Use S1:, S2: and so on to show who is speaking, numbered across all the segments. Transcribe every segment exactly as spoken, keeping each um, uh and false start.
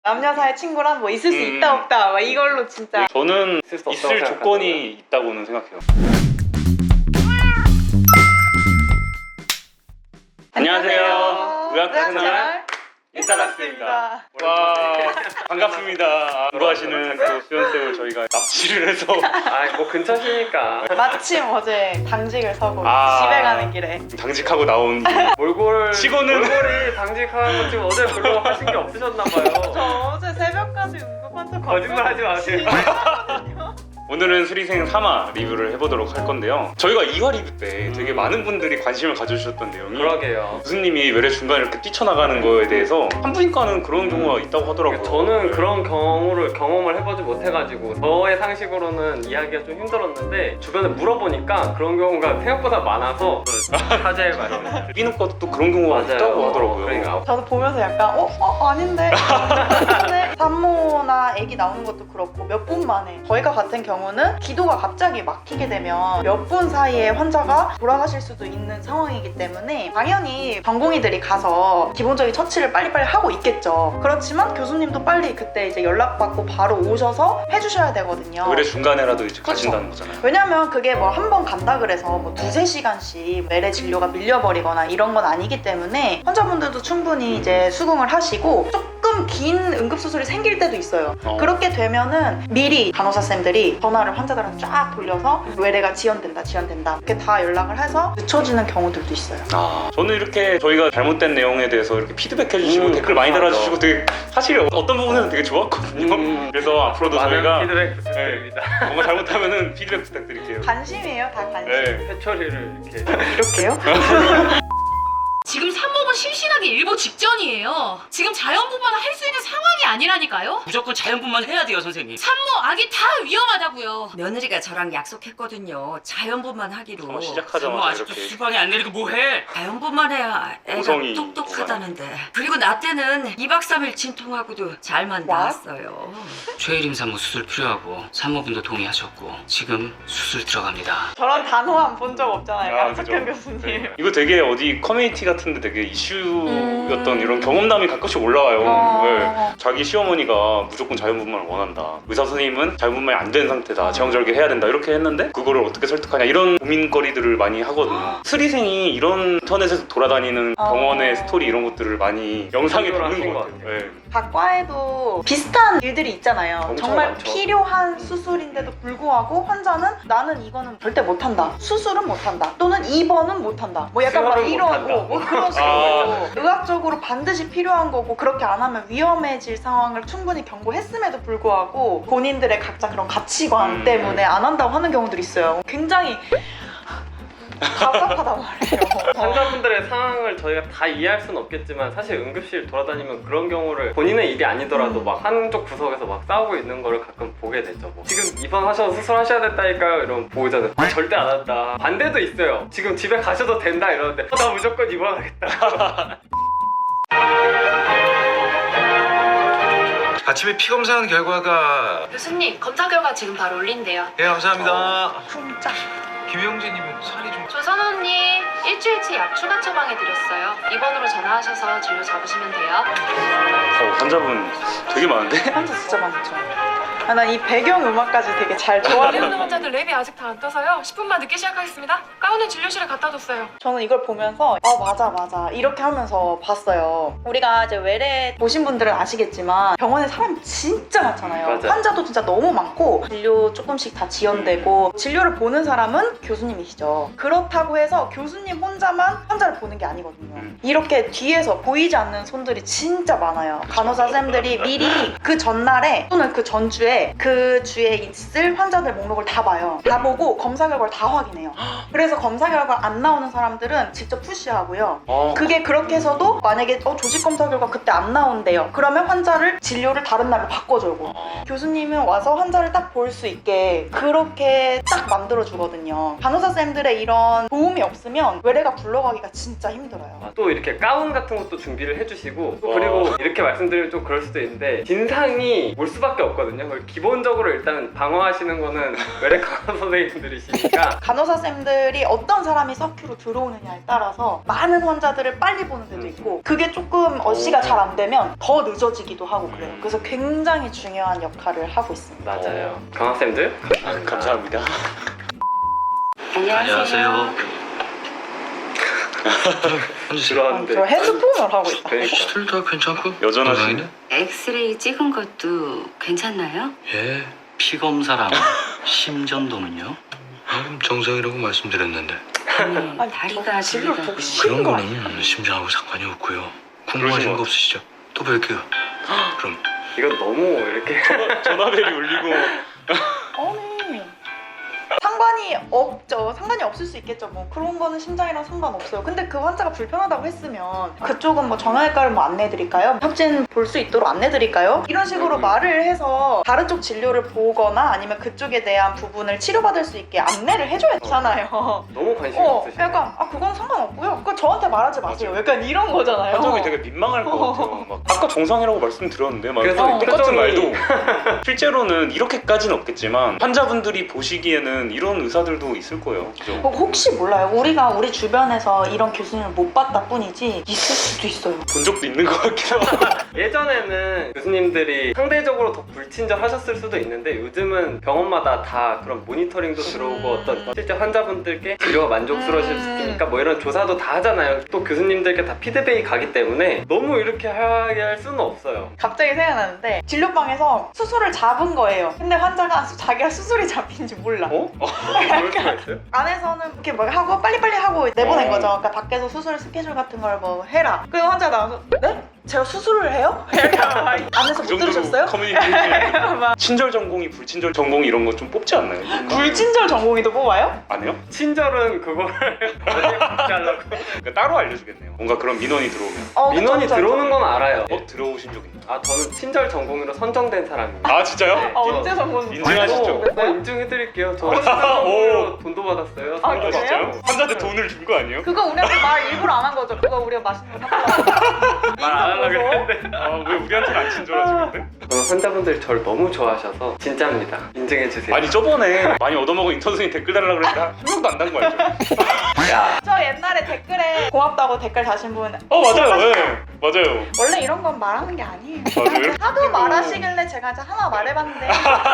S1: 남녀 사이 친구란 뭐 있을 수
S2: 음.
S1: 있다 없다 막 이걸로 진짜.
S2: 저는
S3: 있을 수 없다고
S2: 있을
S3: 생각하는데.
S2: 조건이 있다고는 생각해요. 안녕하세요. 의학생활 인스타락스입니다. 와, 반갑습니다. 아, 공부하시는 또 수연쌤을 저희가 납치를 해서
S3: 아, 뭐 근처시니까.
S1: 마침 어제 당직을 서고
S2: 아.
S1: 집에 가는 길에
S2: 당직하고 나온
S3: 몰골
S2: 치고는-
S3: 몰골이 당직하는 거 지금 어제 별로 하신 게 없으셨나봐요.
S1: 저 어제 새벽까지 응급환자
S3: 거짓말 하지 마세요.
S2: 오늘은 수리생 삼 화 리뷰를 해보도록 할 건데요. 저희가 이 화 리뷰 때 되게 많은 분들이 관심을 가져주셨던 내용이
S3: 그러게요.
S2: 교수님이 외래 중간에 이렇게 뛰쳐나가는 거에 대해서 산부인과는 그런 경우가 있다고 하더라고요.
S3: 저는 그런 경우를 경험을 해보지 못해가지고 저의 상식으로는 이해하기가 좀 힘들었는데 주변에 물어보니까 그런 경우가 생각보다 많아서 사죄해봐요.
S2: 피부과도 또 그런 경우가
S3: 맞아요.
S2: 있다고 하더라고요.
S3: 그러니까
S1: 저도 보면서 약간 어? 어? 아닌데? 근데 산모나 아기 나오는 것도 그렇고 몇 분 만에 저희가 같은 경우는 기도가 갑자기 막히게 되면 몇 분 사이에 환자가 돌아가실 수도 있는 상황이기 때문에 당연히 전공의들이 가서 기본적인 처치를 빨리빨리 하고 있겠죠. 그렇지만 교수님도 빨리 그때 이제 연락받고 바로 오셔서 해주셔야 되거든요.
S2: 외래 중간에라도 이제
S1: 그쵸.
S2: 가신다는 거잖아요.
S1: 왜냐면 그게 뭐 한 번 간다 그래서 뭐 두세 시간씩 외래 진료가 밀려버리거나 이런 건 아니기 때문에 환자분들도 충분히 이제 수긍을 하시고 조금 긴 응급수술이 생길 때도 있어요.
S2: 어.
S1: 그렇게 되면은 미리 간호사쌤들이 전화를 환자들한테 쫙 돌려서 외래가 지연된다 지연된다 이렇게 다 연락을 해서 늦춰지는 경우들도 있어요.
S2: 아, 저는 이렇게 저희가 잘못된 내용에 대해서 이렇게 피드백 해주시고
S3: 음,
S2: 댓글 많이
S3: 맞아.
S2: 달아주시고 되게 사실 어떤 부분에서는 되게 좋았거든요.
S3: 음.
S2: 그래서 앞으로도
S3: 많은
S2: 저희가
S3: 피드백 부탁드립니다.
S2: 뭔가 잘못하면은 피드백 부탁드릴게요.
S1: 관심이에요, 다 관심.
S2: 네.
S3: 회초리를 이렇게
S1: 이렇게요?
S4: 지금 산모분 심신하기 일보 직전이에요. 지금 자연분만 할 수 있는 상황이 아니라니까요.
S5: 무조건 자연분만 해야 돼요, 선생님.
S4: 산모, 아기 다 위험하다고요.
S6: 며느리가 저랑 약속했거든요. 자연분만 하기로.
S2: 한번
S5: 산모
S2: 시작하자마자
S5: 아직도
S2: 이렇게
S5: 수방에 안 내리고 뭐해?
S6: 자연분만 해야 애가
S2: 고성이
S6: 똑똑하다는데. 그리고 나 때는 이 박 삼 일 진통하고도 잘만
S1: 와?
S6: 나았어요.
S5: 최일임 산모 수술 필요하고 산모분도 동의하셨고 지금 수술 들어갑니다.
S1: 저런 단호함 본 적 없잖아요,
S2: 아,
S1: 양석현
S2: 그죠.
S1: 교수님.
S2: 네. 이거 되게 어디 커뮤니티 같은데 되게 이슈였던
S1: 음.
S2: 이런 경험담이 가끔씩 올라와요.
S1: 어.
S2: 네. 자기 시어머니가 무조건 자연분만을 원한다. 의사 선생님은 자연분만이 안 된 상태다. 제왕절개 해야 된다. 이렇게 했는데 그거를 어떻게 설득하냐 이런 고민거리들을 많이 하거든요. 수리생이 이런 인터넷에서 돌아다니는
S1: 어.
S2: 병원의 스토리 이런 것들을 많이 영상에
S3: 참조를
S2: 담는
S3: 하신
S2: 것
S3: 것
S2: 같아요.
S3: 같아요.
S2: 네.
S1: 각 과에도 비슷한 일들이 있잖아요.
S2: 엄청
S1: 정말
S2: 많죠.
S1: 필요한 수술인데도 불구하고 환자는 나는 이거는 절대 못한다. 수술은 못한다. 또는 입원은 못한다. 뭐 약간 막
S3: 수혈은
S1: 이런
S3: 못한다.
S1: 거, 뭐 그런 식으로
S2: 아.
S1: 의학적으로 반드시 필요한 거고 그렇게 안 하면 위험해질 상황을 충분히 경고했음에도 불구하고 본인들의 각자 그런 가치관
S2: 음.
S1: 때문에 안 한다고 하는 경우들이 있어요. 굉장히 답답하단 말이에요.
S3: 환자분들의 상황을 저희가 다 이해할 수는 없겠지만 사실 응급실 돌아다니면 그런 경우를 본인의 일이 아니더라도
S1: 음.
S3: 막 한쪽 구석에서 막 싸우고 있는 거를 가끔 보게 되죠. 뭐. 지금 입원하셔서 수술하셔야 됐다니까요 이러면 보호자는 아, 절대 안 한다. 반대도 있어요. 지금 집에 가셔도 된다 이러는데 어, 나 무조건 입원하겠다.
S7: 아침에 피 검사한 결과가
S4: 교수님, 검사 결과 지금 바로 올린대요.
S7: 예 감사합니다.
S1: 진짜.
S7: 김영재님은 살이 좀
S4: 조선 언니, 일주일치 약 추가 처방해드렸어요. 입원으로 전화하셔서 진료 잡으시면 돼요.
S2: 어, 환자분 되게 많은데?
S1: 환자 진짜 많죠. 아, 난 이 배경 음악까지 되게 잘
S4: 내리
S1: 좋아하는.
S4: 오는 환자들 랩이 아직 다 안 떠서요. 십 분만 늦게 시작하겠습니다. 가운은 진료실에 갖다 뒀어요.
S1: 저는 이걸 보면서 아 맞아 맞아 이렇게 하면서 봤어요. 우리가 이제 외래 보신 분들은 아시겠지만 병원에 사람이 진짜 많잖아요.
S3: 맞아요.
S1: 환자도 진짜 너무 많고 진료 조금씩 다 지연되고 진료를 보는 사람은 교수님이시죠. 그렇다고 해서 교수님 혼자만 환자를 보는 게 아니거든요.
S2: 음.
S1: 이렇게 뒤에서 보이지 않는 손들이 진짜 많아요. 간호사 쌤들이 미리 그 전날에 또는 그 전주에 그 주에 있을 환자들 목록을 다 봐요. 다 보고 검사 결과를 다 확인해요. 그래서 검사 결과 안 나오는 사람들은 직접 푸시하고요.
S2: 어.
S1: 그게 그렇게 해서도 만약에 어, 조직 검사 결과 그때 안 나온대요. 그러면 환자를 진료를 다른 날로 바꿔주고 교수님은 와서 환자를 딱 볼 수 있게 그렇게 딱 만들어 주거든요. 간호사 쌤들의 이런 도움이 없으면 외래가 굴러가기가 진짜 힘들어요.
S3: 또 이렇게 가운 같은 것도 준비를 해주시고 또 그리고 이렇게 말씀드리면 좀 그럴 수도 있는데 진상이 올 수밖에 없거든요. 기본적으로 일단 방어하시는 거는 외래 간호 선생님들이시니까
S1: 간호사 쌤들이 어떤 사람이 서큐로 들어오느냐에 따라서 많은 환자들을 빨리 보는 데도 있고 그게 조금 어시가 잘 안 되면 더 늦어지기도 하고 그래요. 그래서 굉장히 중요한 역할을 하고 있습니다.
S3: 맞아요. 강학생들
S2: 아, 감사합니다.
S5: 안녕하세요.
S3: 들어왔는데
S1: 저 핸드폰을 하고 있다.
S3: 그러니까
S7: 술 다 괜찮고
S2: 여전하시네.
S6: 엑스레이 찍은 것도 괜찮나요?
S7: 예.
S5: 피 검사랑 심전도는요?
S7: 방금 정상이라고 말씀드렸는데
S6: 아니,
S1: 아니,
S6: 다리가
S1: 진료
S6: 저리가
S1: 보기 싫은
S7: 그런
S1: 거 아니야?
S7: 거는 심장하고 상관이 없고요.
S2: 그러신
S7: 궁금하신
S2: 것
S7: 거 없으시죠? 또 뵐게요. 그럼
S3: 이건 너무 이렇게
S2: 전화벨이 울리고
S1: 아니 상관이 없죠. 상관이 없을 수 있겠죠. 뭐 그런 거는 심장이랑 상관없어요. 근데 그 환자가 불편하다고 했으면 그쪽은 뭐 정형외과를 뭐 안내드릴까요? 협진 볼 수 있도록 안내드릴까요? 이런 식으로
S3: 음.
S1: 말을 해서 다른 쪽 진료를 보거나 아니면 그쪽에 대한 부분을 치료받을 수 있게 안내를 해줘야 되잖아요.
S3: 너무 관심이
S1: 어,
S3: 없으시네.
S1: 약간 아 그건 상관없고요. 그거 저한테 말하지 마세요. 약간 이런 거잖아요.
S2: 환자분이 되게 민망할 것 같아요. 막 아까 정상이라고 말씀드렸는데 막
S3: 그래서
S2: 똑같은
S3: 표정이-
S2: 말도 실제로는 이렇게까지는 없겠지만 환자분들이 보시기에는 이런 의사들도 있을 거예요. 그죠?
S1: 어, 혹시 몰라요. 우리가 우리 주변에서 이런 교수님을 못 봤다 뿐이지 있을 수도 있어요.
S2: 본 적도 있는 것 같기도 하고.
S3: 예전에는 교수님들이 상대적으로 더 불친절하셨을 수도 있는데 요즘은 병원마다 다 그런 모니터링도 들어오고
S1: 음.
S3: 어떤 실제 환자분들께 치료가 만족스러우실 수
S1: 음.
S3: 있으니까 뭐 이런 조사도 다 하잖아요. 또 교수님들께 다 피드백이 가기 때문에 너무 이렇게 하게 할 수는 없어요.
S1: 갑자기 생각나는데 진료방에서 수술을 잡은 거예요. 근데 환자가 수- 자기가 수술이 잡힌지 몰라.
S3: 어? 그럴 수가 있어요?
S1: 안에서는 이렇게 막 하고 빨리빨리 하고 내보낸
S2: 어.
S1: 거죠. 그러니까 밖에서 수술 스케줄 같은 걸 뭐 해라. 그리고 환자가 나와서 네? 제가 수술을 해요? 이렇게 안에서
S2: 그
S1: 못 들으셨어요?
S2: 커뮤니케이션.
S1: 막
S2: 친절 전공이 불친절 전공이 이런 거 좀 뽑지 않나요?
S1: 불친절 전공의도 뽑아요?
S2: 안 해요?
S3: 친절은 그거를 어떻게 받게 하려고
S2: 그러니까 따로 알려주겠네요. 뭔가 그런 민원이 들어오면.
S1: 어, 그쵸,
S3: 민원이
S1: 그쵸,
S3: 들어오는
S1: 그쵸.
S3: 건 알아요.
S2: 어? 들어오신 적 있나요?
S3: 아 저는 친절 전공으로 선정된 사람입니다.
S2: 아 진짜요?
S3: 네.
S1: 아, 언제 전공
S2: 인증하시죠?
S3: 어, 인증해드릴게요. 저 친절 전공으로 돈도 받았어요.
S1: 아,
S2: 아,
S1: 그래요?
S2: 진짜요? 환자한테 돈을 준 거 아니에요?
S1: 그거 우리한테 말 일부러 안 한 거죠. 그거 우리가 맛있는 거 사달라고.
S3: 말 안 하려고 했는데
S2: 아 왜 우리한테는 안 친절하지 근데?
S3: 저는 환자분들이 저를 너무 좋아하셔서 진짜입니다. 인증해주세요.
S2: 아니 저번에 많이 얻어먹은 인턴 선생님 댓글 달라고 그랬는데 한 명도 안 단 거 알죠?
S3: 야
S1: 저 옛날에 댓글에 고맙다고 댓글 다신 분
S2: 어 맞아요 네 맞아요
S1: 원래 이런 건 말하는 게 아니에요.
S2: 맞아요?
S1: 하도 말하시길래 제가 이제 하나 말해봤는데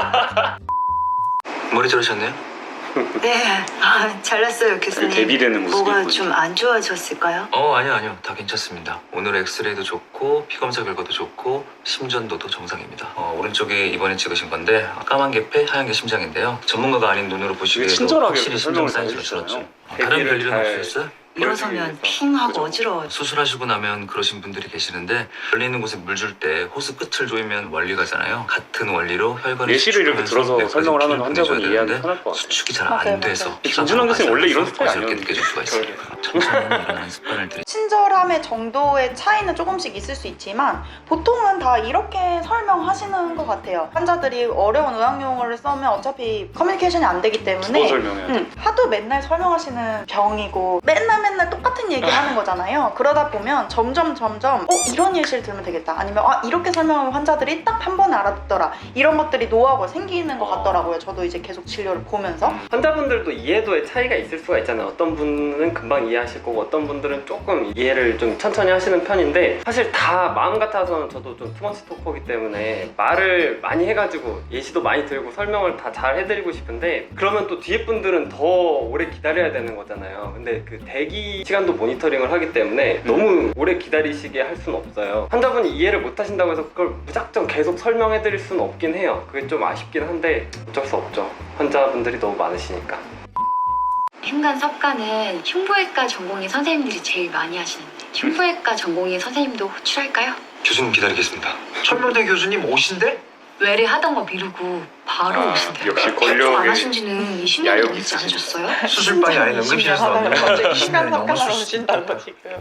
S7: 머리 자르셨네요?
S8: 네, 아, 잘났어요 교수님.
S2: 대비되는 모습이
S8: 뭐가
S2: 있군요.
S8: 좀 안 좋아졌을까요?
S7: 어 아니요 아니요 다 괜찮습니다. 오늘 엑스레이도 좋고 피검사 결과도 좋고 심전도도 정상입니다. 어, 오른쪽이 이번에 찍으신 건데 까만 게 폐, 하얀 게 심장인데요. 전문가가 아닌 눈으로
S2: 되게
S7: 보시기에도
S2: 친절하게
S7: 확실히
S2: 이렇게
S7: 심장
S2: 설명을
S7: 사이즈가
S2: 잘
S7: 줄었죠.
S2: 해주시잖아요.
S7: 어, 다른
S3: 대비를
S7: 별일은
S3: 잘-
S7: 없으셨어요?
S8: 일어서면
S2: 그죠.
S8: 핑하고 어지러워요.
S7: 수술하시고 나면 그러신 분들이 계시는데 열리는 곳에 물 줄 때 호스 끝을 조이면 원리 가잖아요. 같은 원리로 혈관을
S2: 예시를 이렇게
S7: 수축하면서
S2: 들어서
S7: 뇌까지
S2: 설명을 하면
S7: 피를
S2: 환자분이
S7: 보내줘야
S2: 이해하기
S7: 되는데
S2: 편할 것 같아요.
S7: 수축이 잘
S1: 맞아요,
S7: 안 돼서
S1: 맞아요.
S7: 피가
S2: 김준환 교수님 원래 이런 스타일이
S7: 어지럽게
S2: 아니었는데.
S7: 느껴질 수가 있어요. 천천히 일어나는 습관을 들이
S1: 친절함의 정도의 차이는 조금씩 있을 수 있지만 보통은 다 이렇게 설명하시는 것 같아요. 환자들이 어려운 의학용어를 쓰면 어차피 커뮤니케이션이 안 되기
S2: 두번
S1: 때문에
S2: 설명해야 돼.
S1: 음, 하도 맨날 설명하시는 병이고 맨날 맨날 똑같은 얘기 하는 거잖아요. 그러다 보면 점점 점점 어 이런 예시를 들으면 되겠다 아니면 아 이렇게 설명하면 환자들이 딱 한 번에 알아듣더라 이런 것들이 노하우가 생기는 것 같더라고요. 저도 이제 계속 진료를 보면서
S3: 환자분들도 이해도의 차이가 있을 수가 있잖아요. 어떤 분은 금방 이해하실 거고 어떤 분들은 조금 이해를 좀 천천히 하시는 편인데 사실 다 마음 같아서는 저도 좀 투머치 토커기 때문에 말을 많이 해가지고 예시도 많이 들고 설명을 다 잘 해드리고 싶은데 그러면 또 뒤에 분들은 더 오래 기다려야 되는 거잖아요. 근데 그 대기 시간도 모니터링을 하기 때문에 너무 오래 기다리시게 할 수는 없어요. 환자분이 이해를 못 하신다고 해서 그걸 무작정 계속 설명해 드릴 수는 없긴 해요. 그게 좀 아쉽긴 한데 어쩔 수 없죠. 환자분들이 너무 많으시니까.
S9: 흉관 석가는 흉부외과 전공의 선생님들이 제일 많이 하시는데 흉부외과 전공의 선생님도 호출할까요?
S7: 교수님 기다리겠습니다. 천명대 교수님 오신대?
S9: 외래 하던 거 미루고 바로
S2: 아,
S9: 오신대요.
S2: 역시
S9: 개통 안
S2: 권력의
S9: 하신 지는 이십 년이
S2: 야욕이
S9: 넘지
S2: 있으시죠.
S9: 않으셨어요?
S7: 수술방이 아닌 응급실에서
S1: 하다가
S7: 나왔네요.
S1: 갑자기
S7: 이십
S1: 시간
S7: 년이 넘었을
S1: 삭감하러
S7: 수도
S1: 오신다고
S7: 있다.
S1: 지금.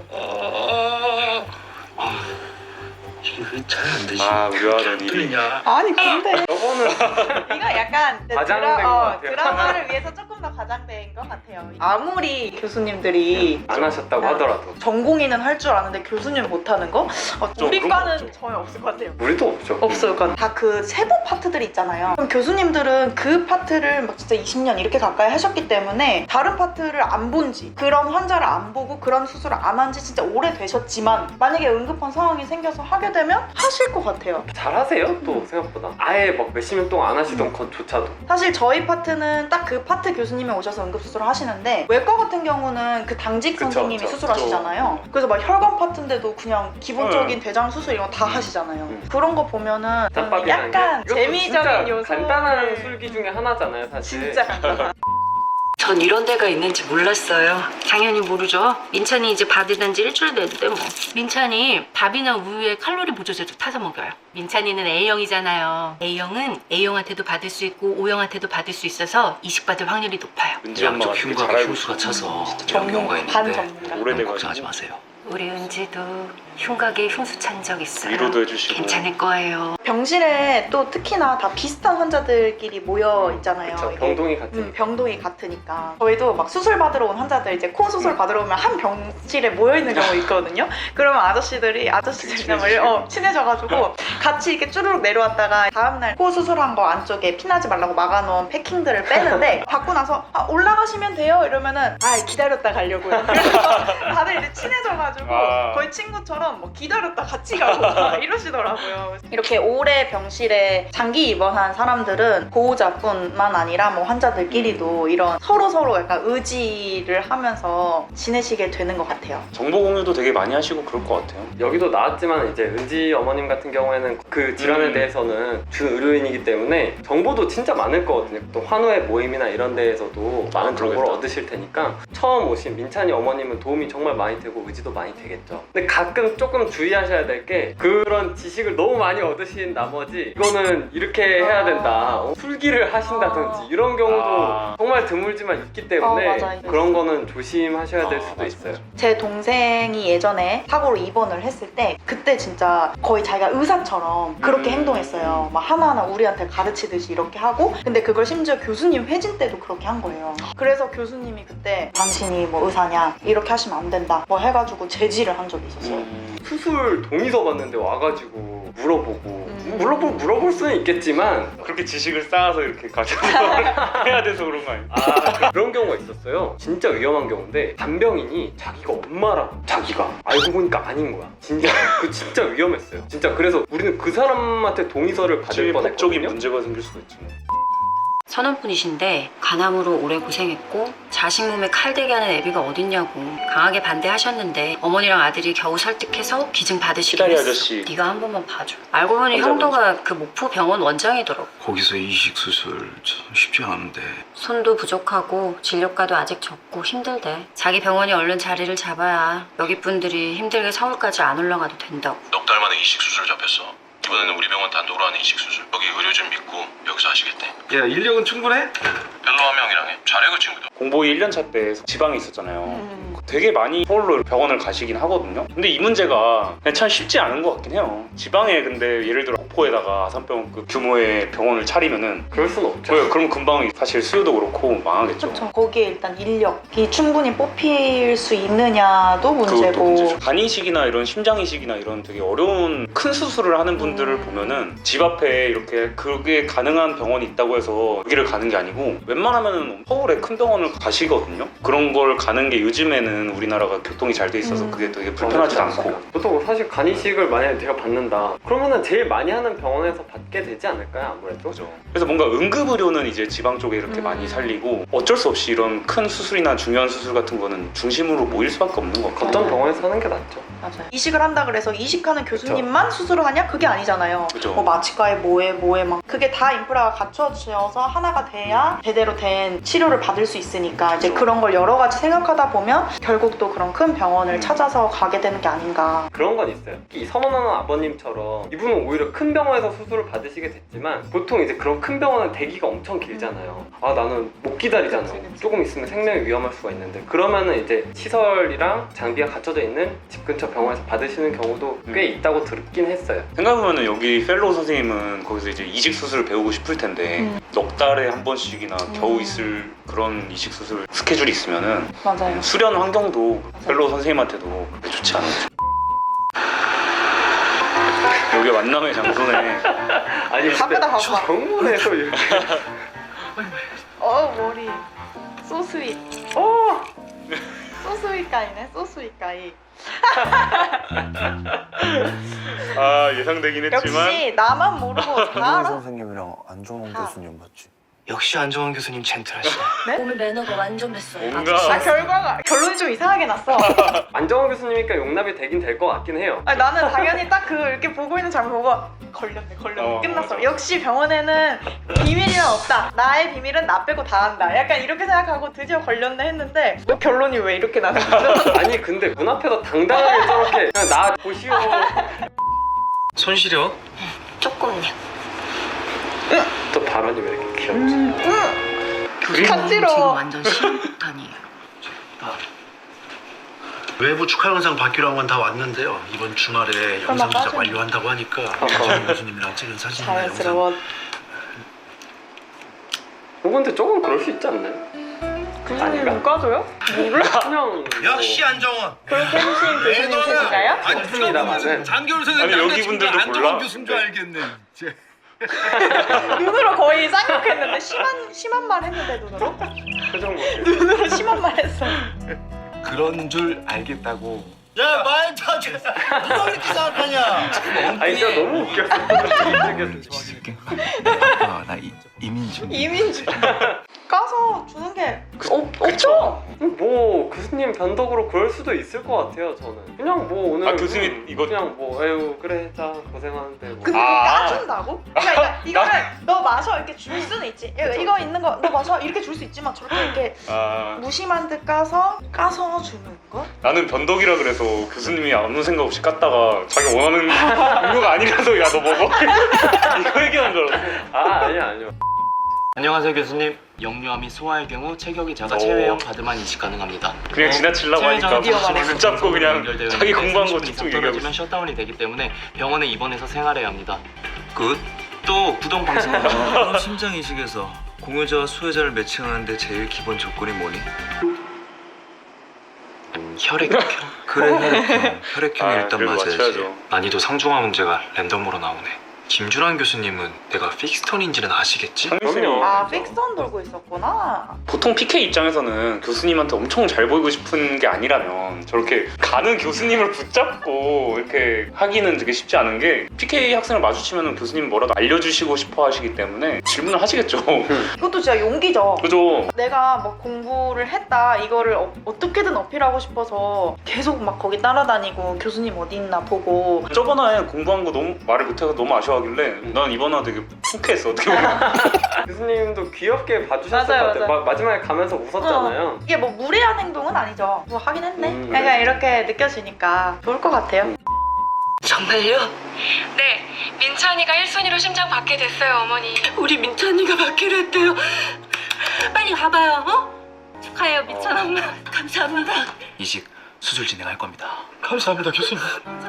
S5: 이거 잘 안 되지.
S2: 아 우려하더니
S5: 뚫리냐?
S1: 아니 근데
S3: 저거는
S1: 이거 약간 이제
S3: 과장된
S1: 드라,
S3: 것
S1: 어,
S3: 같아요.
S1: 드라마를 위해서 조금 더 과장된 것 같아요. 아무리 교수님들이
S3: 안 하셨다고
S1: 아.
S3: 하더라도
S1: 전공의는 할 줄 아는데 교수님 못하는 거? 어,
S2: 좀
S1: 우리
S2: 그런 거
S1: 과는
S2: 없죠.
S1: 전혀 없을 것 같아요.
S3: 우리도 없죠.
S1: 없어요. 그러니까 다 그 세부 파트들이 있잖아요. 그럼 교수님들은 그 파트를 막 진짜 이십 년 이렇게 가까이 하셨기 때문에 다른 파트를 안 본지, 그런 환자를 안 보고 그런 수술을 안 한 지 진짜 오래되셨지만 만약에 응급한 상황이 생겨서 하게 되면 하실 것 같아요.
S3: 잘하세요 또 생각보다. 아예 막 몇십 년 동안 안 하시던
S1: 음.
S3: 것조차도.
S1: 사실 저희 파트는 딱 그 파트 교수님이 오셔서 응급수술을 하시는데 외과 같은 경우는 그 당직
S3: 그쵸,
S1: 선생님이
S3: 그쵸.
S1: 수술하시잖아요. 그래서 막 혈관 파트인데도 그냥 기본적인 대장 수술 이런 거 다 하시잖아요.
S3: 음.
S1: 그런 거 보면은
S3: 짬밥이라는
S1: 약간
S3: 게 이것도
S1: 재미적인
S3: 진짜
S1: 요소
S3: 간단한 술기 중에 하나잖아요 사실.
S1: 진짜 간단한
S6: 전 이런 데가 있는지 몰랐어요.
S4: 당연히 모르죠. 민찬이 이제 받은 지 일주일 됐는데 뭐. 민찬이 밥이나 우유에 칼로리 보조제도 타서 먹여요. 민찬이는 A형이잖아요. A형은 A형한테도 받을 수 있고 O형한테도 받을 수 있어서 이식받을 확률이 높아요.
S2: 은지 엄마가
S5: 양쪽
S2: 되게
S5: 흉곽에
S2: 잘 알고
S5: 흉수가
S2: 있어.
S5: 차서
S1: 전문
S5: 경우가
S1: 반
S5: 있는데
S1: 전문가.
S5: 너무
S2: 오래돼가지고.
S5: 걱정하지 마세요.
S4: 우리 은지도 흉곽에 흉수 찬 적 있어요.
S2: 위로도 해주시고.
S4: 괜찮을 거예요.
S1: 병실에 또 특히나 다 비슷한 환자들끼리 모여 있잖아요.
S3: 그쵸,
S1: 이게.
S3: 병동이 같은.
S1: 음, 병동이 같으니까 저희도 막 수술 받으러 온 환자들 이제 코 수술 받으러 오면 한 병실에 모여 있는 경우 있거든요. 그러면 아저씨들이 아저씨들이나 뭐 이런- 어, 친해져가지고 같이 이렇게 쭈르륵 내려왔다가 다음날 코 수술한 거 안쪽에 피나지 말라고 막아놓은 패킹들을 빼는데 받고 나서 아, 올라가시면 돼요 이러면은 아 기다렸다 가려고요. 그래서 다들 이제 친해져가지고
S2: 아.
S1: 거의 친구처럼 뭐 기다렸다 같이 가고 막 이러시더라고요. 이렇게 오래 병실에 장기 입원한 사람들은 보호자뿐만 아니라 뭐 환자들끼리도 이런 서로 서로 약간 의지를 하면서 지내시게 되는 것 같아요.
S2: 정보 공유도 되게 많이 하시고 그럴 것 같아요.
S3: 여기도 나왔지만 이제 은지 어머님 같은 경우에는 그 질환에
S2: 음.
S3: 대해서는 준 의료인이기 때문에 정보도 진짜 많을 거거든요. 또 환우의 모임이나 이런 데에서도 많은
S2: 아,
S3: 정보를
S2: 그러겠다.
S3: 얻으실 테니까 처음 오신 민찬이 어머님은 도움이 정말 많이 되고 의지도 많이 되겠죠. 근데 가끔 조금 주의하셔야 될 게 그런 지식을 너무 많이 얻으신 나머지 이거는 이렇게 해야 된다. 어, 술기를 하신다든지
S1: 아.
S3: 이런 경우도
S2: 아.
S3: 정말 드물지만 있기 때문에
S1: 어, 맞아요.
S3: 그런 거는 조심하셔야 될
S2: 아,
S3: 수도
S2: 맞아,
S3: 있어요.
S2: 맞아.
S1: 제 동생이 예전에 사고로 입원을 했을 때 그때 진짜 거의 자기가 의사처럼 그렇게
S2: 음.
S1: 행동했어요. 막 하나하나 우리한테 가르치듯이 이렇게 하고 근데 그걸 심지어 교수님 회진 때도 그렇게 한 거예요. 그래서 교수님이 그때 당신이 뭐 의사냐 이렇게 하시면 안 된다 뭐 해가지고 제지를 한 적이 있었어요.
S2: 음.
S3: 수술 동의서 받는데 와가지고 물어보고
S1: 음.
S3: 물어보, 물어볼 수는 있겠지만
S2: 그렇게 지식을 쌓아서 이렇게 가져서 해야 돼서 그런 거 아니에요?
S3: 아 그런 경우가 있었어요. 진짜 위험한 경우인데 간병인이 자기가 엄마라고 자기가 알고 보니까 아닌 거야. 진짜 그 진짜 위험했어요. 진짜 그래서 우리는 그 사람한테 동의서를 받을
S2: 제일 법적인
S3: 뻔했거든요.
S2: 문제가 생길 수가 있지.
S4: 선원분이신데 간암으로 오래 고생했고 자식 몸에 칼대게 하는 애비가 어딨냐고 강하게 반대하셨는데 어머니랑 아들이 겨우 설득해서 기증 받으시긴
S2: 시다리
S4: 했어.
S2: 아저씨.
S4: 네가 한 번만 봐줘. 알고 보니
S2: 혼자
S4: 형도가 그 목포 병원 원장이더라고.
S5: 거기서 이식 수술 참 쉽지 않은데
S4: 손도 부족하고 진료가도 아직 적고 힘들대. 자기 병원이 얼른 자리를 잡아야 여기 분들이 힘들게 서울까지 안 올라가도 된다고.
S10: 넉 달 만에 이식 수술 잡혔어. 이번에는 우리 병원 단독으로 하는 이식 수술. 여기 의료진 믿고 여기서 하시겠대.
S5: 야 인력은 충분해?
S10: 별로 한 명이랑 해. 잘해 그 친구도.
S2: 공보이 일 년 차 때 지방에 있었잖아요.
S1: 음.
S2: 되게 많이 서울로 병원을 가시긴 하거든요. 근데 이 문제가 그냥 참 쉽지 않은 것 같긴 해요. 지방에 근데 예를 들어 목포에다가 아산병원급 규모의 병원을 차리면은
S3: 그럴 순 없죠.
S2: 그래요. 그럼 금방 사실 수요도 그렇고 망하겠죠.
S1: 그렇죠. 거기에 일단 인력이 충분히 뽑힐 수 있느냐도
S2: 그것도
S1: 문제고
S2: 문제죠. 간이식이나 이런 심장이식이나 이런 되게 어려운 큰 수술을 하는 분들을
S1: 음.
S2: 보면은 집 앞에 이렇게 그게 가능한 병원이 있다고 해서 여기를 가는 게 아니고 웬만하면은 서울에 큰 병원을 가시거든요. 그런 걸 가는 게 요즘에는 우리나라가 교통이 잘 돼 있어서
S1: 음.
S2: 그게 되게 불편하지도 않고.
S3: 저도 사실 간이식을 만약에 내가 받는다 그러면은 제일 많이 하는 병원에서 받게 되지 않을까요 아무래도?
S2: 그죠. 그래서 뭔가 응급의료는 이제 지방 쪽에 이렇게
S1: 음.
S2: 많이 살리고 어쩔 수 없이 이런 큰 수술이나 중요한 수술 같은 거는 중심으로 모일 수밖에 없는 것 같아요.
S3: 어떤 병원에서 하는 게 낫죠.
S1: 맞아요. 이식을 한다 그래서 이식하는 교수님만 수술을 하냐? 그게 아니잖아요.
S2: 그죠.
S1: 뭐 마취과에 뭐해 뭐해 막 그게 다 인프라가 갖춰져서 하나가 돼야 제대로 된 치료를 받을 수 있으니까 이제
S2: 그죠.
S1: 그런 걸 여러 가지 생각하다 보면 결국 또 그런 큰 병원을
S2: 음.
S1: 찾아서 가게 되는 게 아닌가.
S3: 그런 건 있어요. 이 서원하는 아버님처럼 이분은 오히려 큰 병원에서 수술을 받으시게 됐지만 보통 이제 그런 큰 병원은 대기가 엄청 길잖아요. 아 나는 못 기다리잖아.
S1: 그치, 그치.
S3: 조금 있으면 생명이 위험할 수가 있는데 그러면은 이제 시설이랑 장비가 갖춰져 있는 집 근처 병원에서 받으시는 경우도 꽤 있다고 듣긴 했어요.
S2: 생각해보면 여기 펠로우 선생님은 거기서 이제 이식 수술을 배우고 싶을 텐데
S1: 음.
S2: 넉 달에 한 번씩이나
S1: 음.
S2: 겨우 있을 그런 이식 수술 스케줄이 있으면은
S1: 맞아요.
S2: 수련 환경도 펠로우 선생님한테도 그렇게 좋지 않은 거죠. 여기 만남의 장소네.
S3: 아니
S1: 바쁘다, 바빠.
S3: 병원에서 이렇게
S1: 어 머리 소스윗. 오 소스윗가이네 소스윗가이.
S2: 아 예상되긴 했지만
S1: 역시 나만 모르고 다 알아.
S11: 선생님이랑 안정원
S1: 아.
S11: 교수님 맞지?
S5: 역시 안정환 교수님 젠틀하시네.
S6: 오늘 매너가 완전 됐어요.
S2: 뭔가
S1: 아 결과가 결론이 좀 이상하게 났어.
S3: 안정원 교수님이니까 용납이 되긴 될 것 같긴 해요.
S1: 아니, 나는 당연히 딱 그 이렇게 보고 있는 장면 보고 걸렸네 걸렸네
S2: 어,
S1: 끝났어.
S2: 맞아.
S1: 역시 병원에는 비밀이란 없다. 나의 비밀은 나 빼고 다 안다. 약간 이렇게 생각하고 드디어 걸렸네 했는데 뭐 결론이 왜 이렇게 나는 거죠?
S3: 아니 근데 문 앞에서 당당하게 저렇게 그냥 나 보시오.
S5: 손 시려?
S4: 조금요.
S3: 또 발언이 왜 이렇게 귀엽지?
S1: 음, 음.
S4: 교수님
S1: 간지러워.
S4: 지금 완전 시험탄이에요.
S11: 외부 축하 영상 받기로 한 건 다 왔는데요. 이번 주말에
S1: 설마
S11: 영상 제작
S1: 빠져?
S11: 완료한다고 하니까 안정원 교수님이랑 찍은 사진이나 영상
S1: 자연스러워.
S3: 어, 근데 조금 그럴 수 있지 않나요?
S1: 교수님 못 가줘요? 몰라.
S3: 그냥
S11: 역시 안정원!
S1: 그렇게 해주신 교수님 계신가요?
S3: 좋습니다만은
S11: 장겨울
S2: 아니, 여기 분들도 몰라?
S11: 교수인 줄 알겠네.
S1: 눈으로 거의 쌍욕했는데 심한 심한 말 했는데 눈으로
S3: 표정 뭐
S1: 눈으로 심한 말 했어.
S11: 그런 줄 알겠다고. 야, 말 타지. 누가 그렇게 생각하냐?
S3: 아니 진짜 너무 웃겼어.
S11: 아, 나 이, 이민준.
S1: 이민주 까서 주는 게 없, 없죠?
S3: 뭐 교수님 변덕으로 그럴 수도 있을 것 같아요. 저는 그냥 뭐 오늘
S2: 아, 교수님 이거-
S3: 그냥 뭐 에휴 그래 자 고생하는데 뭐.
S1: 근데
S2: 아.
S1: 그거 까준다고? 그러니까 이거를 너 마셔 이렇게 줄 수는 있지. 야, 이거 있는 거 너 마셔 이렇게 줄 수 있지만 저렇게 이렇게
S2: 아
S1: 무심한 듯 까서 까서 주는 거?
S2: 나는 변덕이라 그래서 교수님이 아무 생각 없이 깠다가 자기 원하는 음료가 아니라서 야 너 먹어? 이거 얘기하는 줄 알았어.
S3: 아 아니야 아니요.
S5: 안녕하세요 교수님. 영유아 및 소아의 경우 체격이 작아
S2: 오.
S5: 체외형 바드만 이식 가능합니다.
S2: 그냥 지나치려고 하니까
S1: 드디어 말해.
S2: 붙잡고 그냥 자기 공부한 거 쭉쭉 얘기하고
S5: 떨어지면
S2: 있어.
S5: 셧다운이 되기 때문에 병원에 입원해서 생활해야 합니다. 굿. 또 구동 방송.
S7: 그럼 심장 이식에서 공여자와 수혜자를 매칭하는데 제일 기본 조건이 뭐니?
S5: 혈액형.
S7: 그래 혈액형. 혈액형이
S2: 아,
S7: 일단
S2: 그래도
S7: 맞아야지.
S2: 맞춰야죠.
S5: 난이도 상중하 문제가 랜덤으로 나오네. 김준환 교수님은 내가 픽스턴인지는 아시겠지?
S3: 그럼요.
S1: 아 픽선 돌고 있었구나.
S2: 보통 피케이 입장에서는 교수님한테 엄청 잘 보이고 싶은 게 아니라면 저렇게 가는 교수님을 붙잡고 이렇게 하기는 되게 쉽지 않은 게 피케이 학생을 마주치면 교수님 뭐라도 알려주시고 싶어 하시기 때문에 질문을 하시겠죠.
S1: 이것도 진짜 용기죠.
S2: 그죠?
S1: 내가 뭐 공부를 했다 이거를 어, 어떻게든 어필하고 싶어서 계속 막 거기 따라다니고 교수님 어디 있나 보고.
S2: 저번에 공부한 거 너무 말을 못해서 너무 아쉬워하길래 난 이번 화 되게 푹했어 어떻게 보면.
S3: 교수님도 귀엽게 봐주셨을
S1: 맞아요,
S3: 것 같아요.
S1: 맞아요.
S3: 마, 마지막에 가면서 웃었잖아요.
S1: 이게 뭐 무례한 행동은 아니죠. 뭐 하긴 했네.
S3: 음,
S1: 약간
S3: 네.
S1: 이렇게 느껴지니까 좋을 것 같아요.
S6: 정말요?
S4: 네, 민찬이가 일 순위로 심장 받게 됐어요, 어머니.
S6: 우리 민찬이가 받기로 했대요.
S4: 빨리 가봐요, 어? 축하해요, 민찬 엄마.
S6: 감사합니다.
S5: 이식 수술 진행할 겁니다.
S11: 감사합니다, 교수님.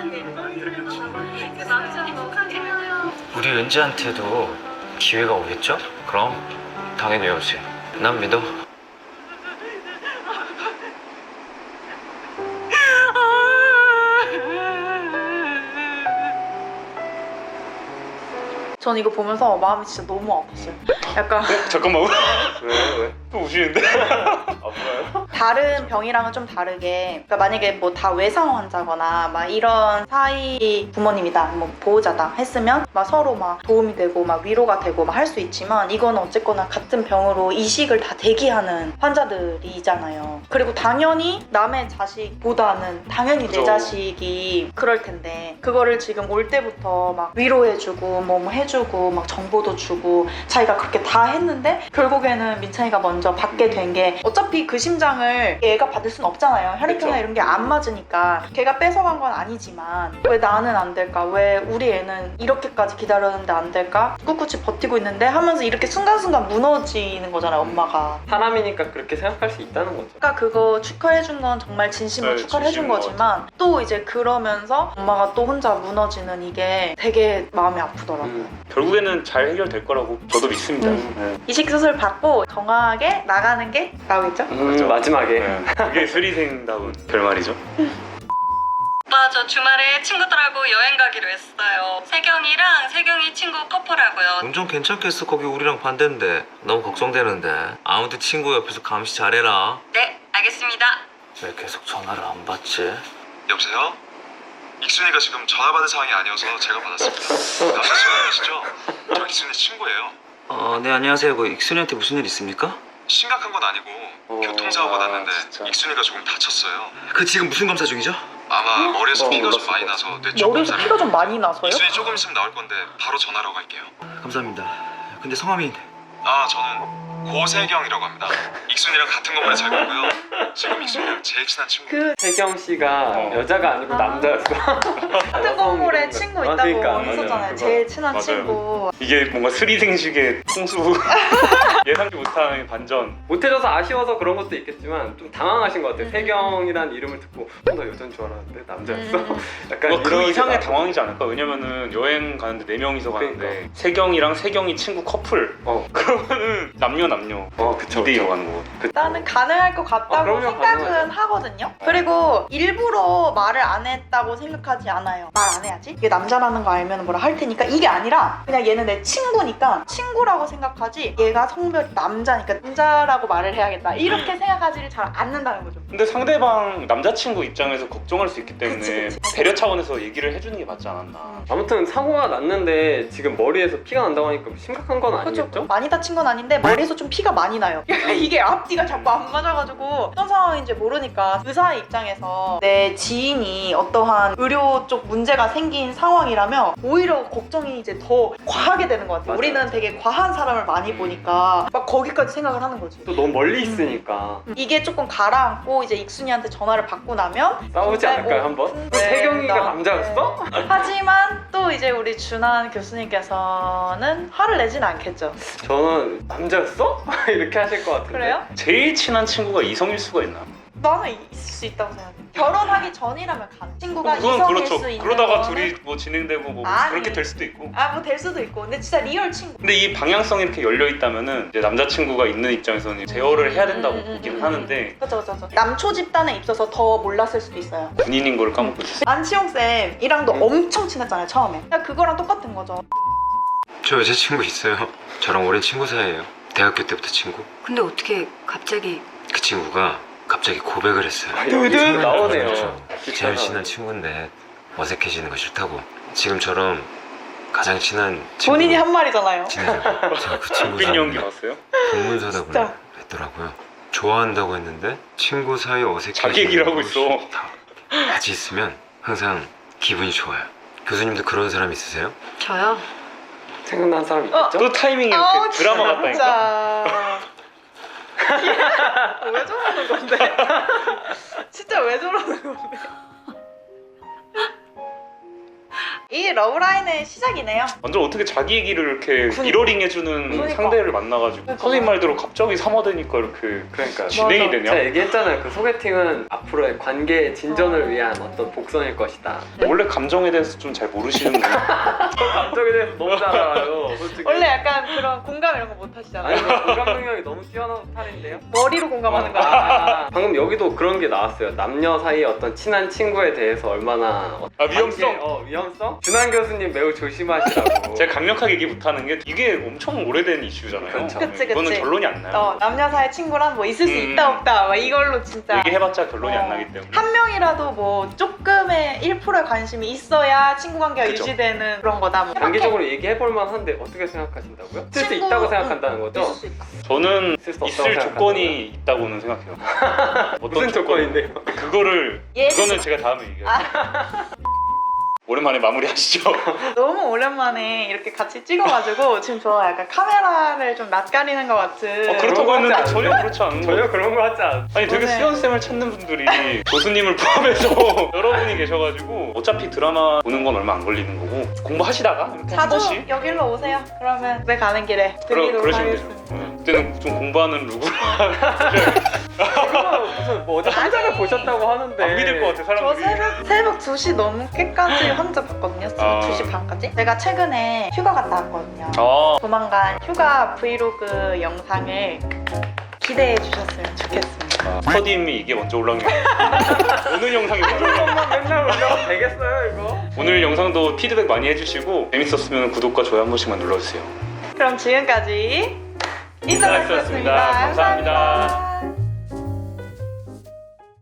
S5: 우리 은지한테도 기회가 오겠죠? 그럼 당연히 오지. 난 믿어.
S1: 전 이거 보면서 마음이 진짜 너무 아팠어요. 약간
S2: 잠깐만
S3: 왜 왜?
S2: 또 우시는데? 아파요?
S1: 다른 병이랑은 좀 다르게, 그러니까 만약에 뭐 다 외상 환자거나 막 이런 사이 부모님이다, 뭐 보호자다 했으면 막 서로 막 도움이 되고 막 위로가 되고 막 할 수 있지만 이건 어쨌거나 같은 병으로 이식을 다 대기하는 환자들이잖아요. 그리고 당연히 남의 자식보다는 당연히
S2: 그죠.
S1: 내 자식이 그럴 텐데 그거를 지금 올 때부터 막 위로해주고 뭐, 뭐 해주고 해주고 막 정보도 주고 자기가 그렇게 다 했는데 결국에는 민찬이가 먼저 받게 된 게 어차피 그 심장을 얘가 받을 순 없잖아요. 혈액형이나
S2: 그쵸.
S1: 이런 게 안 맞으니까 걔가 뺏어간 건 아니지만 왜 나는 안 될까? 왜 우리 애는 이렇게까지 기다렸는데 안 될까? 꿋꿋이 버티고 있는데 하면서 이렇게 순간순간 무너지는 거잖아요, 엄마가.
S3: 사람이니까 그렇게 생각할 수 있다는 거죠.
S1: 아까 그거 축하해준 건 정말 진심으로
S2: 네,
S1: 축하를 해준
S2: 진심인 것
S1: 거지만 또 이제 그러면서 엄마가 또 혼자 무너지는 이게 되게 마음이 아프더라고요.
S3: 음.
S2: 결국에는 잘 해결될 거라고 저도 믿습니다.
S1: 음.
S2: 네.
S1: 이식 수술 받고 건강하게 나가는 게 나오겠죠?
S3: 음, 마지막에
S2: 네. 그게 수리생다운 결말이죠.
S6: 오빠 저 주말에 친구들하고 여행 가기로 했어요. 세경이랑 세경이 친구 커플하고요.
S7: 운전 괜찮겠어. 거기 우리랑 반대인데 너무 걱정되는데. 아무튼 친구 옆에서 감시 잘해라.
S6: 네, 알겠습니다.
S7: 왜 계속 전화를 안 받지?
S10: 여보세요? 익순이가 지금 전화 받을 상황이 아니어서 제가 받았습니다. 남자친구이시죠? 저 익순이 친구예요.
S7: 어, 네 안녕하세요. 그 익순이한테 무슨 일 있습니까?
S10: 심각한 건 아니고
S3: 어,
S10: 교통사고가
S2: 아,
S10: 났는데
S2: 진짜.
S10: 익순이가 조금 다쳤어요.
S7: 그 지금 무슨 검사 중이죠?
S10: 아마 머리에서
S2: 어,
S10: 피가 좀
S2: 몰랐을
S10: 많이
S2: 것
S10: 나서 뇌쪽
S1: 머리에서
S10: 검사를.
S1: 피가 좀 많이 나서요?
S10: 익순이 조금 있으면 나올 건데 바로 전화로 갈게요.
S7: 감사합니다. 근데 성함이
S10: 아 저는 고세경이라고 합니다. 익순이랑 같은 건물에 잘 가고요. 지금 익순이랑 제일 친한 친구.
S1: 그
S3: 세경 씨가
S2: 어.
S3: 여자가 아니고
S1: 아.
S3: 남자였어.
S1: 같은 건물에 친구 있다고
S3: 아, 그러니까,
S1: 했었잖아요.
S2: 맞아요.
S1: 제일 친한
S2: 맞아요.
S1: 친구.
S2: 이게 뭔가 스리생식의 통수 예상치 못한 반전.
S3: 못해줘서 아쉬워서 그런 것도 있겠지만 좀 당황하신 것 같아요.
S1: 음.
S3: 세경이란 이름을 듣고 어, 나 여자인 줄 알았는데 남자였어.
S1: 음.
S3: 약간
S2: 뭔가 그
S3: 이런
S2: 이상의
S3: 게
S2: 당황이지 않을까? 왜냐면은 여행 가는데 네 명이서 가는데
S3: 그러니까.
S2: 세경이랑 세경이 친구 커플.
S3: 어.
S2: 그러면은 남녀 남녀
S3: 어, 그쵸.
S2: 이 대이로 가는 거고.
S1: 나는 가능할 것 같다고
S3: 아, 그럼요,
S1: 생각은
S3: 가능하죠.
S1: 하거든요. 그리고 일부러 말을 안 했다고 생각하지 않아요. 말 안 해야지. 이게 남자라는 거 알면 뭐라 할 테니까 이게 아니라 그냥 얘는 내 친구니까 친구라고 생각하지 얘가 성별이 남자니까 남자라고 말을 해야겠다. 이렇게 생각하지를 잘 않는다는 거죠.
S2: 근데 상대방 남자친구 입장에서 걱정할 수 있기 때문에
S1: 그치, 그치.
S2: 배려 차원에서 얘기를 해주는 게 맞지 않았나.
S3: 아무튼 사고가 났는데 지금 머리에서 피가 난다고 하니까 심각한 건
S1: 그렇죠.
S3: 아니겠죠?
S1: 많이 다친 건 아닌데 머리에서 좀 피가 많이 나요. 이게 앞뒤가 자꾸 안 맞아가지고 어떤 상황인지 모르니까 의사의 입장에서 내 지인이 어떠한 의료 쪽 문제가 생긴 상황이라면 오히려 걱정이 이제 더 과하게 되는 것 같아요.
S3: 맞아요.
S1: 우리는 되게 과한 사람을 많이 보니까 막 거기까지 생각을 하는 거지.
S3: 또 너무 멀리 있으니까
S1: 이게 조금 가라앉고 이제 익순이한테 전화를 받고 나면
S3: 싸우지
S1: 근데
S3: 않을까요
S1: 뭐
S3: 한번?
S1: 근데
S3: 세경이가
S1: 나-
S3: 남자였어?
S1: 하지만 또 이제 우리 준한 교수님께서는 화를 내진 않겠죠.
S3: 저는 남자였어? 이렇게 하실 것 같은데.
S1: 그래요?
S2: 제일 친한 친구가 이성일 수가 있나?
S1: 나는 있을 수 있다고 생각해. 결혼하기 전이라면 가능. 친구가
S2: 그건
S1: 이성일
S2: 그렇죠.
S1: 수 있는
S2: 그러다가
S1: 거는
S2: 둘이 뭐 진행되고 뭐
S1: 아니.
S2: 그렇게 될 수도 있고.
S1: 아 뭐 될 수도 있고 근데 진짜 리얼 친구.
S2: 근데 이 방향성이 이렇게 열려 있다면은 이제 남자친구가 있는 입장에서는 제어를 해야 된다고
S1: 음, 음,
S2: 보기는
S1: 음,
S2: 하는데
S1: 그렇죠 그렇죠. 남초 집단에 있어서 더 몰랐을 수도 있어요.
S2: 군인인 걸 까먹고 있었어.
S1: 안치홍 쌤이랑도
S3: 음.
S1: 엄청 친했잖아요 처음에. 그냥 그거랑 똑같은 거죠.
S12: 저 여자친구 있어요. 저랑 오랜 친구 사이예요. 대학교 때부터 친구.
S4: 근데 어떻게 갑자기
S12: 그 친구가 갑자기 고백을 했어요.
S3: 아, 여기서 나오네요.
S12: 그렇죠. 제일 친한 친구인데 어색해지는 거 싫다고. 지금처럼 가장 친한 친구
S1: 본인이 한 말이잖아요.
S12: 지내자고. 제가 그 친구
S2: 끈 연기
S12: 사이에
S2: 봤어요?
S12: 동문서답을
S1: 진짜.
S12: 했더라고요. 좋아한다고 했는데 친구 사이 어색해지는
S2: 자기 얘기를 하고
S12: 거
S2: 있어.
S12: 싫다. 같이 있으면 항상 기분이 좋아요. 교수님도 그런 사람 있으세요?
S4: 저요?
S3: 생각난 사람 있겠죠?
S2: 또 타이밍이 이렇게
S1: 아우,
S2: 드라마 같다니까.
S1: 진짜. 왜 저러는 건데? 진짜 왜 저러는 건데? 이 러브라인의 시작이네요.
S2: 완전 어떻게 자기 얘기를 이렇게
S1: 그러니까.
S2: 미러링 해주는
S1: 그러니까.
S2: 상대를 만나가지고
S1: 그러니까.
S2: 선생님 말대로 갑자기 삼화되니까 이렇게
S3: 그러니까
S2: 진행이
S1: 맞아.
S2: 되냐?
S3: 제가 얘기했잖아요. 그 소개팅은 앞으로의 관계 진전을 위한 어떤 복선일 것이다.
S2: 원래 감정에 대해서 좀 잘 모르시는 분.
S3: 감정에 대해서 너무 잘 알아요. 솔직히.
S1: 원래 약간 그런 공감 이런 거 못 하시잖아요.
S3: 아니 뭐 공감 능력이 너무 뛰어난 스타일인데요?
S1: 머리로 공감하는 거.
S3: 아, 방금 여기도 그런 게 나왔어요. 남녀 사이의 어떤 친한 친구에 대해서 얼마나
S2: 아, 위험성?
S3: 관계, 어 위험성? 준한 교수님 매우 조심하시라고.
S2: 제가 강력하게 얘기 못하는 게 이게 엄청 오래된 이슈잖아요.
S3: 그쵸.
S1: 그치, 그치.
S2: 이거는 결론이 안 나요.
S1: 어, 남녀 사이 친구랑 뭐 있을 수
S2: 음.
S1: 있다 없다 막 이걸로 진짜
S2: 얘기해봤자 결론이
S1: 어.
S2: 안 나기 때문에.
S1: 한 명이라도 뭐 조금의 일 퍼센트의 관심이 있어야 친구 관계가
S2: 그쵸.
S1: 유지되는 그런 거다. 뭐.
S3: 단기적으로 얘기해볼 만한데 어떻게 생각하신다고요? 있을 수
S1: 친구,
S3: 있다고 생각한다는
S1: 응,
S3: 거죠?
S1: 있을 수 있다.
S2: 저는
S3: 있을 수 없다고
S2: 있을
S3: 생각한다고요?
S2: 조건이 있다고는 생각해요. 어떤
S3: 무슨
S2: 조건?
S3: 조건인데요?
S2: 그거를
S1: 예를
S2: 그거는
S1: 들어-
S2: 제가 다음에 얘기할게요. 오랜만에 마무리하시죠.
S1: 너무 오랜만에 이렇게 같이 찍어가지고 지금 저 약간 카메라를 좀 낯가리는 것 같은.
S2: 어, 그렇다고
S3: 그런 거
S2: 했는데
S3: 같지
S2: 전혀
S3: 않은데?
S2: 그렇지 않은
S3: 전혀
S2: 거.
S3: 그런 거 같지 않아.
S2: 아니 되게
S1: 오늘-
S2: 수연쌤을 찾는 분들이 교수님을 포함해서 여러분이 계셔가지고 어차피 드라마 보는 건 얼마 안 걸리는 거고 공부하시다가 이렇게 한
S1: 자주
S2: 번씩
S1: 여기로 오세요. 그러면 집에 가는 길에
S2: 그러,
S1: 드리도록
S2: 그러시면 되죠.
S1: 하겠습니다.
S2: 네. 그때는 좀 공부하는 누구랑
S3: 이거 무슨 뭐 어제 한장을
S1: 아니.
S3: 보셨다고 하는데
S2: 안 믿을 것 같아
S1: 저
S2: 사람들이.
S1: 새벽, 새벽 두 시 넘게까지 혼자 봤거든요.
S2: 아.
S1: 두 시 반까지. 제가 최근에 휴가 갔다 왔거든요.
S2: 아,
S1: 조만간 휴가 브이로그 영상을 기대해 주셨으면 좋겠습니다.
S2: 스터디임이 이게 먼저 올라온 게 오늘 영상이 먼저 올라온
S3: 이것만 맨날 올려도 되겠어요 이거?
S2: 오늘 영상도 피드백 많이 해주시고 재밌었으면 구독과 좋아요 한 번씩만 눌러주세요.
S1: 그럼 지금까지 인터넷이었습니다.
S2: 감사합니다.
S1: 감사합니다.